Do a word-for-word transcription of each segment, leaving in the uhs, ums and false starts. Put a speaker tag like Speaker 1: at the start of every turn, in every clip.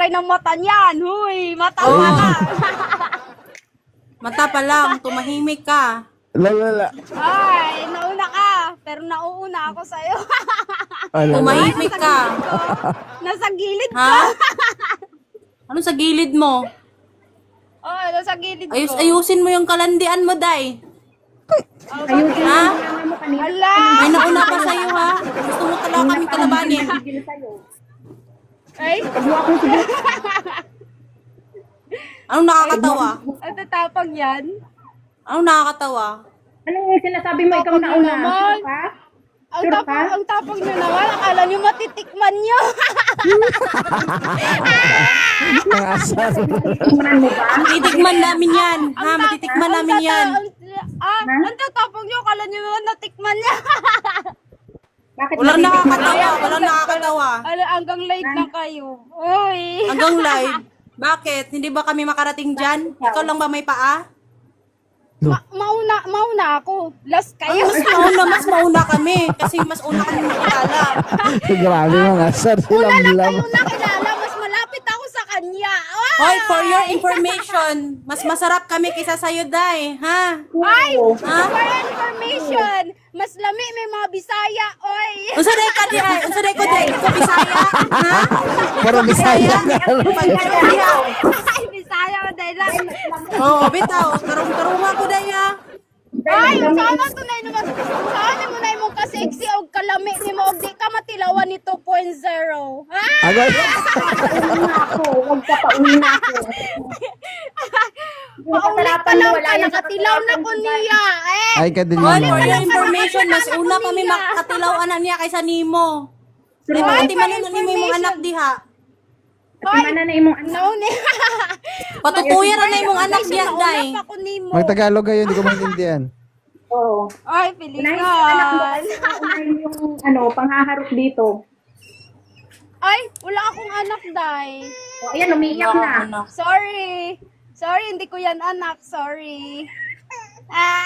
Speaker 1: kulay ng mata niyan. Huy, mata
Speaker 2: Oh.
Speaker 1: pa lang.
Speaker 2: Mata pa lang, tumahimik ka.
Speaker 3: Lala.
Speaker 1: Ay, nauna ka. Pero nauuna ako sa'yo.
Speaker 3: Alala.
Speaker 2: Tumahimik ka.
Speaker 1: Nasa gilid ko.
Speaker 2: Ha? Ano sa gilid mo?
Speaker 1: Oh, nasa gilid
Speaker 2: Ayus,
Speaker 1: ko.
Speaker 2: ayusin mo yung kalandian mo, Day.
Speaker 4: Ayusin
Speaker 2: Ha?
Speaker 4: mo yung mo kanina.
Speaker 1: Ala!
Speaker 2: May nauna pa sa'yo, ha? Gusto mo talaga kaming kalabanin.
Speaker 4: Tigil sa'yo.
Speaker 1: Ay,
Speaker 4: Pag mo akong sigil.
Speaker 2: Anong nakakatawa?
Speaker 1: ang tatapag yan.
Speaker 2: Anong nakakatawa?
Speaker 4: Anong sinasabi mo ikaw na una?
Speaker 1: naman.
Speaker 4: Sure ka?
Speaker 1: Ang
Speaker 4: Sure
Speaker 1: tapang,
Speaker 4: ka?
Speaker 1: ang tapang nyo naman. Akala nyo matitikman nyo.
Speaker 3: Ang asar.
Speaker 4: Tingnan mo ba?
Speaker 2: Titikman namin yan. Ha? Matitikman namin
Speaker 1: Ang
Speaker 2: yan.
Speaker 1: tata- ang- Ah, ang tatapang nyo. Akala nyo naman natikman niya.
Speaker 4: Bakit
Speaker 2: Walang
Speaker 4: natitikman
Speaker 2: nakakatawa.
Speaker 4: mo?
Speaker 2: Walang nakakatawa.
Speaker 1: Ala, hanggang live na kayo. Uy.
Speaker 2: Hanggang live. Bakit? Hindi ba kami makarating dyan? Ikaw lang ba may paa?
Speaker 1: Ma- mauna, mauna ako. Last
Speaker 2: Ay,
Speaker 1: kayo.
Speaker 2: mas mauna, mas mauna kami. Kasi mas una kami nakilala.
Speaker 3: Grabe mga asar.
Speaker 1: Una lang
Speaker 3: Silam-lam.
Speaker 1: kayo nakilala. Mas malapit ako sa kanya. Ay!
Speaker 2: Hoy, for your information, mas masarap kami kaysa sa'yo, Day. Ha?
Speaker 1: Ay!
Speaker 2: Ha?
Speaker 1: For information, mas lami may mga Bisaya. Oy!
Speaker 2: Unsa day ka di ay? Unsa day ko day? Ko Bisaya? Ha?
Speaker 3: Pero bisaya ka.
Speaker 2: Pagkaya.
Speaker 1: Ay, Bisaya ko dahil lang.
Speaker 2: Oo, bitaw. Karong-karunga ko day ha.
Speaker 1: Ay, sana tunay naman. Sana mo na imong ka-sexy o kalami ni mo. Di ka matilawan ni two point oh. Ha?
Speaker 3: Agad.
Speaker 4: Pauwi na ako. Huwag ka pauwi na ako.
Speaker 1: Paulit pa lang ka. Nakatilaw na ko niya. Eh!
Speaker 3: Ay, kadili
Speaker 2: Hoy,
Speaker 3: mo.
Speaker 2: for your information, mas una kami makatilaw anak niya kaysa nimo. Di ba
Speaker 1: Hoy,
Speaker 2: ati
Speaker 1: for
Speaker 2: man na nimo imong anak diha?
Speaker 4: Tingnan na imong anak.
Speaker 1: Nauni.
Speaker 2: Patutuyan na imong anak diha, Day.
Speaker 1: Nauna pa ko nimo.
Speaker 3: Magtagalog kayo, hindi ko maintindihan.
Speaker 4: Oo.
Speaker 1: Ay,
Speaker 4: Unahin yung anak mo.
Speaker 1: Pilipinas.
Speaker 4: Unahin yung ano, panghaharap dito.
Speaker 1: Ay, wala akong anak, Day.
Speaker 4: O, ayan, umiiyak na.
Speaker 1: Sorry. Sorry, hindi ko yan anak. Sorry. Ah.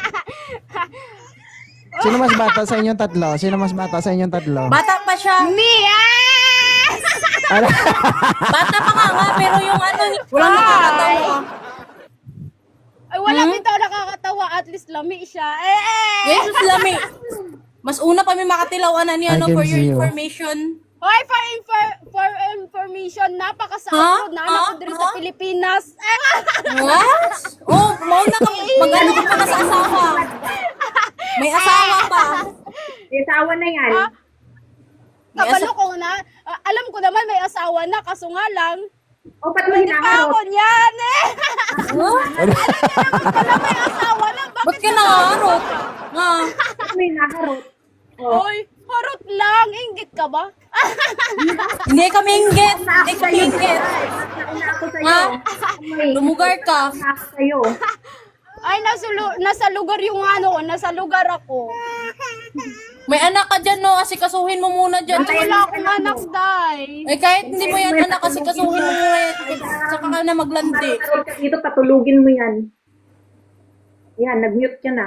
Speaker 3: Sino mas bata sa inyong tatlo? Sino mas bata sa inyong tatlo?
Speaker 2: Bata pa siya.
Speaker 1: Me, ah!
Speaker 3: Ano?
Speaker 2: Bata pa nga nga, pero yung ano, walang nakakatawa.
Speaker 1: Ay, wala
Speaker 2: Hmm?
Speaker 1: bitaw nakakatawa. At least lami siya. Eh, eh.
Speaker 2: Jesus lami. Mas una pa may makatilawan na niya,
Speaker 3: I
Speaker 2: no,
Speaker 3: can
Speaker 2: for your
Speaker 3: see you.
Speaker 2: information.
Speaker 1: Hoy, for, infor- for information, napakasakot
Speaker 2: Huh?
Speaker 1: na anak ko
Speaker 2: Huh?
Speaker 1: diri sa
Speaker 2: Huh?
Speaker 1: Pilipinas. Eh,
Speaker 2: What? Oh, mauna ka, mag-ano ka pa na sa asawa. May asawa pa.
Speaker 4: May asawa na yan.
Speaker 1: Ah?
Speaker 2: May
Speaker 1: kabalo
Speaker 2: asa-
Speaker 1: ko na. Ah, alam ko naman may asawa na, kaso nga lang.
Speaker 4: O, ba't mo
Speaker 1: Hindi pa
Speaker 4: hinaharot?
Speaker 1: ako niyan eh.
Speaker 2: Huh?
Speaker 1: Wala may asawa na.
Speaker 2: Ba't
Speaker 1: Bakit
Speaker 2: ka nangarot? Nga.
Speaker 4: Ba't mo hinaharot? O,
Speaker 1: Hoy, harot lang. Inggit ka ba?
Speaker 2: Hindi kami inggit.
Speaker 4: na
Speaker 2: Hindi
Speaker 4: ako
Speaker 2: kami
Speaker 4: sa'yo.
Speaker 2: inggit.
Speaker 4: Nauna ako sa'yo.
Speaker 2: Ha?
Speaker 4: Ay,
Speaker 2: Lumugar ka.
Speaker 4: nauna ako sa'yo.
Speaker 1: Ay, nasa, lu- nasa lugar yung ano ko. Nasa lugar ako.
Speaker 2: May anak ka dyan, no? Asikasuhin mo muna dyan.
Speaker 1: Ay, wala akong anak, Day.
Speaker 2: Eh, kahit hindi mo yan anak, asikasuhin mo muna yan. Saka ka na maglandi.
Speaker 4: Harot ka dito, patulugin mo yan. Yan, nag-mute ka na.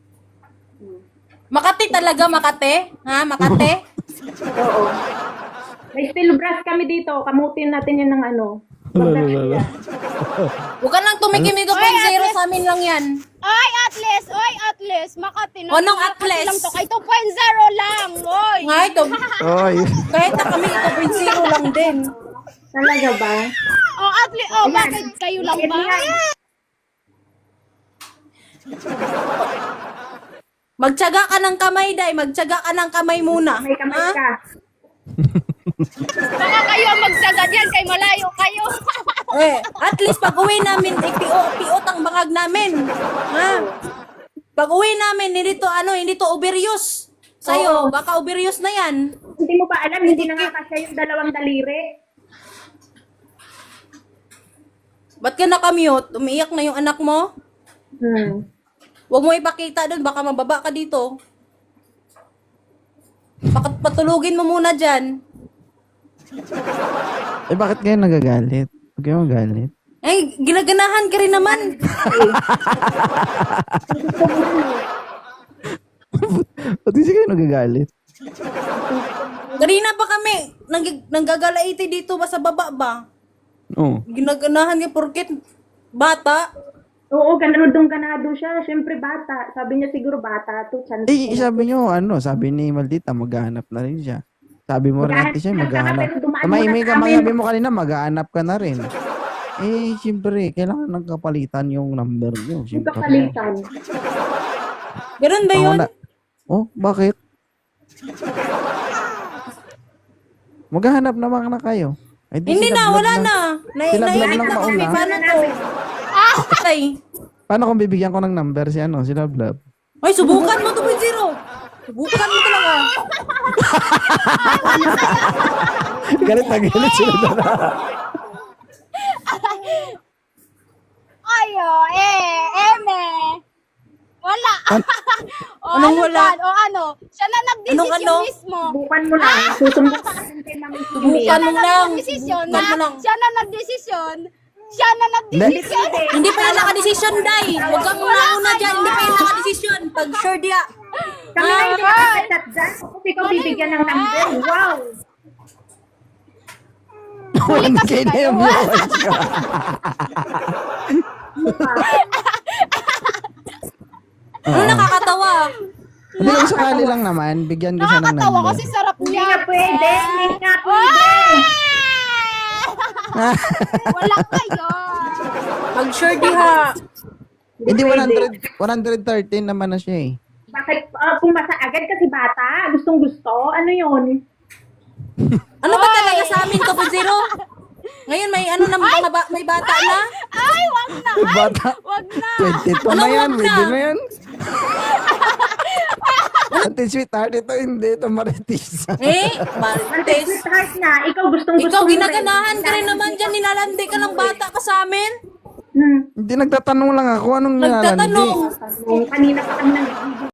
Speaker 2: Makati talaga, Makate? Ha, Makate?
Speaker 4: Oo. May steel brush kami dito. Kamutin natin yan ng ano.
Speaker 3: Lala.
Speaker 2: Huwag ka nang tumikim ito
Speaker 1: Ay,
Speaker 2: zero
Speaker 1: Ate.
Speaker 2: sa amin lang yan.
Speaker 1: Ay, Atlas! Ay, Atlas! Makati na.
Speaker 2: Anong
Speaker 1: Makati
Speaker 2: Atlas?
Speaker 1: lang to. Kay two point oh lang. Oy!
Speaker 2: Nga ito,
Speaker 3: Oy.
Speaker 2: kahit na kami ito point zero lang din.
Speaker 4: Talaga ba?
Speaker 1: Oh, Atlas. Oh, bakit kayo lang ba?
Speaker 2: Magtyaga ka ng kamay, Day. Magtyaga ka ng kamay muna.
Speaker 4: May kamay
Speaker 2: Ha?
Speaker 4: ka.
Speaker 1: Baka kayo ang magsagad yan kay malayo kayo.
Speaker 2: Eh, at least pag uwi namin, eh, piot, piot ang bangag namin. Ha? Pag uwi namin, hindi to, ano, hindi to overuse. Sa'yo, baka overuse na yan.
Speaker 4: Hindi mo ba alam, hindi nakakasya yung dalawang daliri?
Speaker 2: Ba't ka nakamute? Umiiyak na yung anak mo?
Speaker 4: Hmm.
Speaker 2: Huwag mo ipakita doon, baka mababa ka dito. Baka patulugin mo muna dyan.
Speaker 3: Eh, bakit kayo nagagalit? Huwag kayo magalit.
Speaker 2: Eh, ginaganahan ka rin naman.
Speaker 3: Ba't kasi kayo nagagalit?
Speaker 2: Kanina pa kami, nang, nanggagalaiti dito ba sa baba ba?
Speaker 3: Oh.
Speaker 2: Ginaganahan niya porket bata.
Speaker 4: Oo, ganadong ganado siya. Siyempre bata. Sabi niya siguro bata to. Chance
Speaker 3: Eh,
Speaker 4: ko.
Speaker 3: sabi nyo, ano, sabi ni Maldita, maghahanap na rin siya. Sabi mo rin
Speaker 4: Maghahanap
Speaker 3: natin siya,
Speaker 4: na,
Speaker 3: maghahanap.
Speaker 4: pero dumaan
Speaker 3: May,
Speaker 4: muna
Speaker 3: may,
Speaker 4: sa amin.
Speaker 3: sabi mo kanina, maghahanap ka na rin. Eh, siyempre, kailangan nang kapalitan yung number nyo.
Speaker 4: Yung
Speaker 3: Siyempre.
Speaker 4: kapalitan.
Speaker 2: Ganun ba
Speaker 3: Ako
Speaker 2: yun?
Speaker 3: na- Oh, bakit? Maghahanap naman na kayo. Eh, di
Speaker 2: Hindi
Speaker 3: sila
Speaker 2: na,
Speaker 3: vlog
Speaker 2: wala
Speaker 3: lang.
Speaker 2: na. Na,
Speaker 3: Sila vlog
Speaker 2: nainip
Speaker 3: lang
Speaker 2: na kami.
Speaker 3: mauna.
Speaker 2: Paano to? Ay,
Speaker 3: Paano kung bibigyan ko ng number si ano, si Love Love?
Speaker 2: ay, subukan mo two point oh. Subukan mo talaga.
Speaker 3: Galit na galit sila doon.
Speaker 1: Ayo, eh, eme. Wala. o,
Speaker 2: Anong
Speaker 1: ano
Speaker 2: wala?
Speaker 1: ba? O ano? Siya na nagdesisyon
Speaker 2: Anong ano?
Speaker 1: mismo.
Speaker 4: Subukan mo lang. Susumbok ka natin kay Mami Kimi.
Speaker 2: Subukan mo lang.
Speaker 1: Nagdesisyon
Speaker 2: Subukan mo
Speaker 1: na.
Speaker 2: lang.
Speaker 1: Siya na nagdesisyon. Siya na nagdesisyon.
Speaker 2: Hindi pa yan nakadesisyon, Day. Huwag kang una-una dyan. Hindi pa yan nakadesisyon. Pag sure dia.
Speaker 4: Kami na hindi nakakachat dyan. Kasi ikaw bibigyan ng number. Wow!
Speaker 3: one K na yung viewers ko.
Speaker 2: Ano nakakatawa?
Speaker 3: Hindi lang sakali lang naman, bigyan ko siya ng
Speaker 1: Nakakatawa
Speaker 3: number.
Speaker 1: kasi sarap
Speaker 4: Hindi
Speaker 1: niya.
Speaker 4: nga pwede. Hindi nga pwede.
Speaker 1: Wala kayo.
Speaker 2: Pag sure diha.
Speaker 3: Hindi one hundred, one thirteen naman na siya eh.
Speaker 4: Bakit uh, pumasa agad kasi bata? Gustong gusto? Ano yun?
Speaker 2: Ano ba talaga sa amin, two point oh? Ngayon may ano na mga ba, may bata na?
Speaker 1: Ay, wag na. Ay,
Speaker 3: Bata,
Speaker 1: wag na.
Speaker 3: twenty-two na
Speaker 2: Anong
Speaker 3: yan,
Speaker 2: wag na?
Speaker 3: pwede na yan. Ate sweetheart, ito hindi, ito maritis.
Speaker 2: Eh,
Speaker 4: Mantis.
Speaker 2: Martes.
Speaker 4: Sweetheart na. Ikaw gustong gusto
Speaker 2: Ikaw ginaganahan ka rin naman dyan. Nilalandi ka ng bata ka sa amin.
Speaker 4: Hmm.
Speaker 3: Hindi, nagtatanong lang ako, anong nilalandi?
Speaker 2: Nagtatanong.
Speaker 4: Kanina pa kami nang